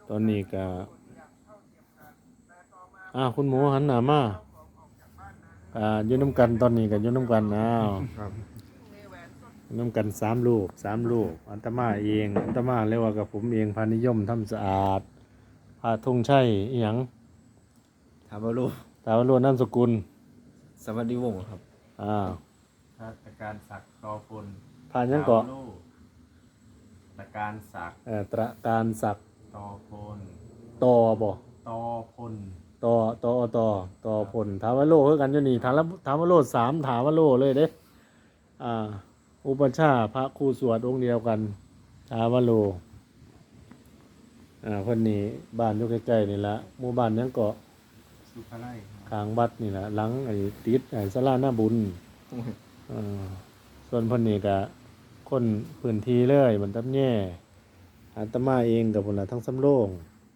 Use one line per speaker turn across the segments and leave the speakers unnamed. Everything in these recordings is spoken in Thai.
ตอนนี้ก็คุณหมูหันหน้ามาอยู่น้ำกันตอนนี้ก็อยู่น้ำกัน
ครับ
อยู่น้ำกัน3 ลูกอัตมาเองอัตมาเรียกว่ากับผมเองพานิยมทำสะอาดพาธงชัยอีหยัง
ถามว่าลูก
ถาวโรจน์นามสกุล
สวัสดีวงศ์ครับ
ราชการศักดิ์ต่อพล
ผ่านยังเกาะ
ตระการศักดิ์
ตระการศักดิ์
ต่อพล
ต่อบ่
ต่อพล
ต่อผลถาวโรคือกันอยู่นี่ถาวโร3ถาวโรเลยเด้อุปชฌาย์พระครูสวดองค์เดียวกันถาวโรเพิ่นนี่บ้านอยู่ใกล้ๆนี่ละหมู่บ้านยังเกาะ
สุภาไล
ข้างวัดนี่ละหลังติดศาลาหน้าบุญส่วนเพิ่นนี่ก็คนพื้นที่เลยมันตับแย่อาตมาเองกับพุ่นน่ะทั้งสำโรง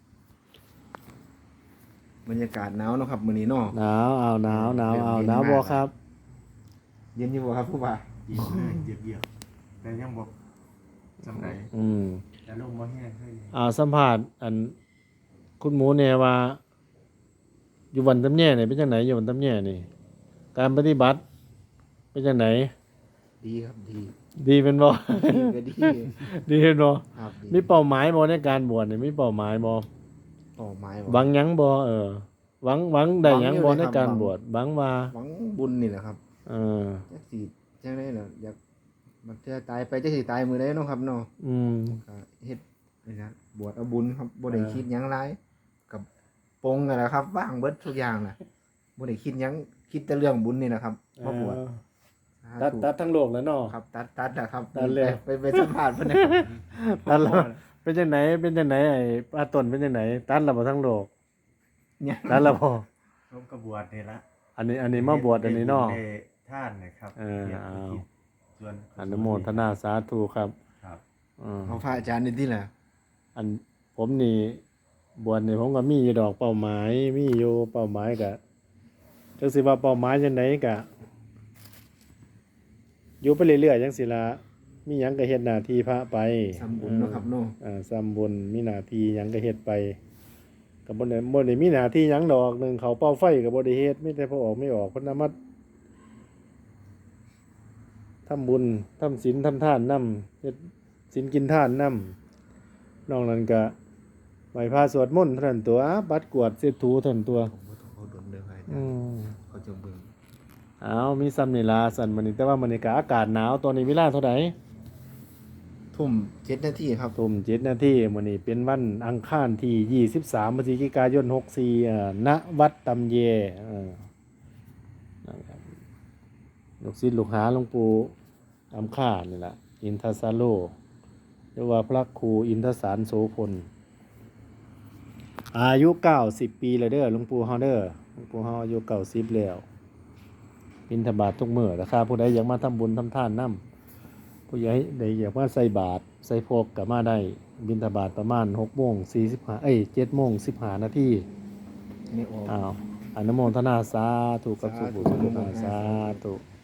บรรยากาศหนาวเนาะครับมื้อนี้เนาะ
หนาวบ่ครับ
เย็นอยู่บ่ครับผู้บ่า
เยียบแต่ยังบอกจำไหนแต่ลมบ่แห้งให้
สัมภาษณ์คุณหมูเนี่ยว่าอยู่วันตำแย่นี่เป็นจังไหนอยู่วันตำแย่นี่การปฏิบัติเป็นจังไหน
ดีครับ
ดีเป็นบ่
ดีก็ดี
ดีเป็นบ่
ครับ
มีเป้าหมายบ่ในการบวชนี่มีเป้าหมายบ่หวังหยังบ่หวังได้หยังบ่ในการบวชหวังว่า
หวังบุญนี่แหละครับจักสิจังได๋เนาะอยากมันจะตายไปจักสิตายมื้อใดเนาะครับเนาะก็เฮ็ดนี่นะบวชเอาบุญครับบ่ได้คิดหยังหลายกับปงนั่นแหละครับว่างเบิดทุกอย่างน่ะบ่ได้คิดหยังคิดแต่เรื่องบุญนี่นะครับมาบวช
ตัดทั้งโลกแล้วเนาะ
ครับตัดนะครับไปสัมภาษณ์เพิ่นนะ
ตัดแล้วเป็นจังไหนไอ้ป้าต้นเป็นจังไหนตัดแล้วบ่ทั้งโลก
เนี่ย
ตัดแล้วบ่
ร่วมกระบวชนี่ละ
อันนี้มาบวชอันนี้เนาะ
ท่านนะครับ
ส่วนอนุโมทนาสาธุครับ
เอาพระอาจารย์นี่ที่แหละ
ผมนี่บวชนี่ผมก็มีอยู่ดอกเป้าหมายมีอยู่เป้าหมายก็จังสิว่าเป้าหมายจังไดก็อยู่ไปเรื่อยๆจังสิล่ะมีหยังก็เฮ็ดหน้าที่พระไป
ทำบุญเนาะครับเนาะ
ทำบุญมีหน้าที่หยังก็เฮ็ดไปก็บ่ได้มีหน้าที่หยังดอกนึงเขาเป่าไฟก็บ่ได้เฮ็ดมีแต่พอออกไม่ออกเพิ่นนำมาทำบุญทำศีลทำทานนำเฮ็ดศีลกินทานนำนอกนั้นก็ไหว้พระสวดมนต์เท่านั้นตัวปัดกวาดเช็ดถูเท่านั้นตัว
เขาดนเด้อให้เขาจะเบิ่ง
มีซ้ำนี่ล่ะสั่นมื้อนี้แต่ว่ามื้อนี้ก็อากาศหนาวตอนนี้เวลาเท่าใด
ทุ่ม7นาทีครับ
ทุ่ม7นาทีมื้อนี้เป็นวันอังคารที่23พฤศจิกายน64ณวัดตำเยนะครับลูกศิษย์ลูกหาหลวงปู่อำค่านี่ล่ะอินทสาโลหรือว่าพระครูอินทสารโสพลอายุ90ปีแล้วเด้อหลวงปู่เฮาเด้อหลวงปู่เฮาอายุ90แล้วบิณฑบาตทุกมื้อถ้าผู้ใดอยากมาทำบุญทำทานนำผู้ใดอยากมาใส่บาตรใส่พกก็มาได้บิณฑบาตประมาณ 6:45 7:15 นาที
นี่
อนุโมทนาสาธุกับสุขสาธุ